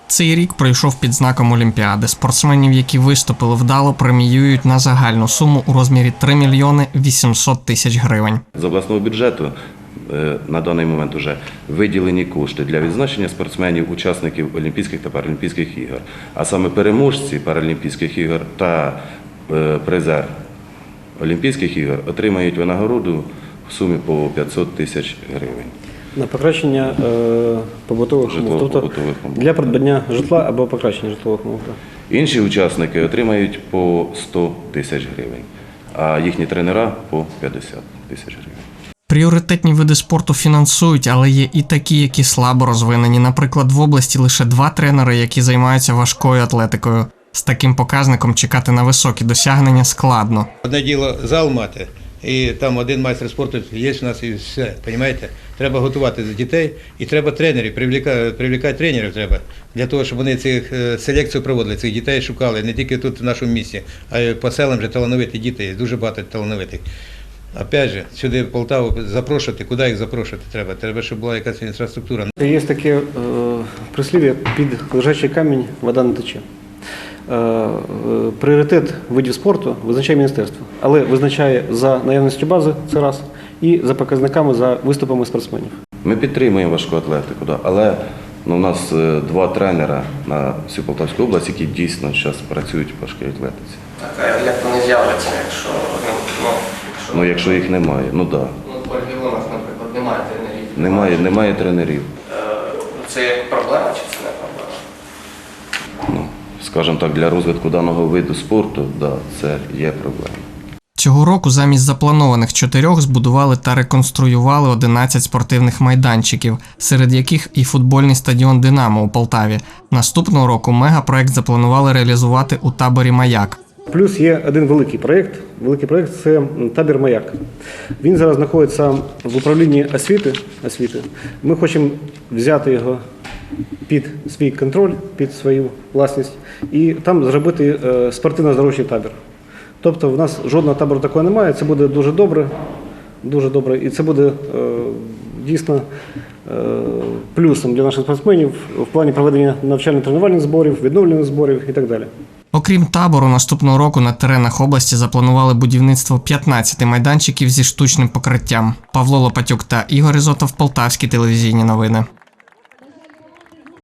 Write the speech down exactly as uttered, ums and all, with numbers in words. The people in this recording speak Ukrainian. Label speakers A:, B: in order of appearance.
A: Цей рік пройшов під знаком Олімпіади. Спортсменів, які виступили вдало, преміюють на загальну суму у розмірі три мільйони вісімсот тисяч гривень.
B: З обласного бюджету на даний момент вже виділені кошти для відзначення спортсменів, учасників Олімпійських та Паралімпійських ігор. А саме переможці Паралімпійських ігор та призер Олімпійських ігор отримають винагороду в сумі по п'ятсот тисяч гривень.
C: На покращення е, побутових умов, тобто для придбання житла або покращення житлових умов.
B: Інші учасники отримають по сто тисяч гривень, а їхні тренера по п'ятдесят тисяч гривень.
A: Пріоритетні види спорту фінансують, але є і такі, які слабо розвинені. Наприклад, в області лише два тренери, які займаються важкою атлетикою. З таким показником чекати на високі досягнення складно.
D: Одне діло зал мати, і там один майстер спорту є у нас і все, розумієте? Треба готувати дітей і треба тренерів, привлекати, привлекати тренерів треба, для того, щоб вони цих селекцію проводили, цих дітей шукали, не тільки тут в нашому місті, а й по селам вже талановиті діти, дуже багато талановитих. Опять же, сюди в Полтаву запрошувати, куди їх запрошувати треба? Треба, щоб була якась інфраструктура.
C: Є таке е, прислів'я: під лежачий камінь вода не тече. Е, пріоритет видів спорту визначає міністерство, але визначає за наявністю бази, це раз, і за показниками, за виступами спортсменів.
B: Ми підтримуємо важку атлетику, да, але ну, у нас два тренера на всю Полтавську область, які дійсно зараз працюють в важкій атлетиці.
E: Так, а як вони з'являться, якщо, ну, якщо...
B: Ну, якщо їх немає, ну так. Да.
E: Ну, в Ольги Іллінок, наприклад, немає тренерів.
B: Немає, немає тренерів.
E: Це як проблема чи це не проблема?
B: Ну, скажімо так, для розвитку даного виду спорту, да, це є проблема.
A: Цього року замість запланованих чотирьох збудували та реконструювали одинадцять спортивних майданчиків, серед яких і футбольний стадіон «Динамо» у Полтаві. Наступного року мегапроект запланували реалізувати у таборі «Маяк».
C: Плюс є один великий проєкт. Великий проєкт – це табір «Маяк». Він зараз знаходиться в управлінні освіти. освіти. Ми хочемо взяти його під свій контроль, під свою власність і там зробити спортивно-здоровчий табір. Тобто в нас жодного табору такого немає, це буде дуже добре, дуже добре, і це буде е, дійсно е, плюсом для наших спортсменів в плані проведення навчально-тренувальних зборів, відновлення зборів і так далі.
A: Окрім табору, наступного року на теренах області запланували будівництво п'ятнадцяти майданчиків зі штучним покриттям. Павло Лопатюк та Ігор Ізотов, Полтавські телевізійні новини.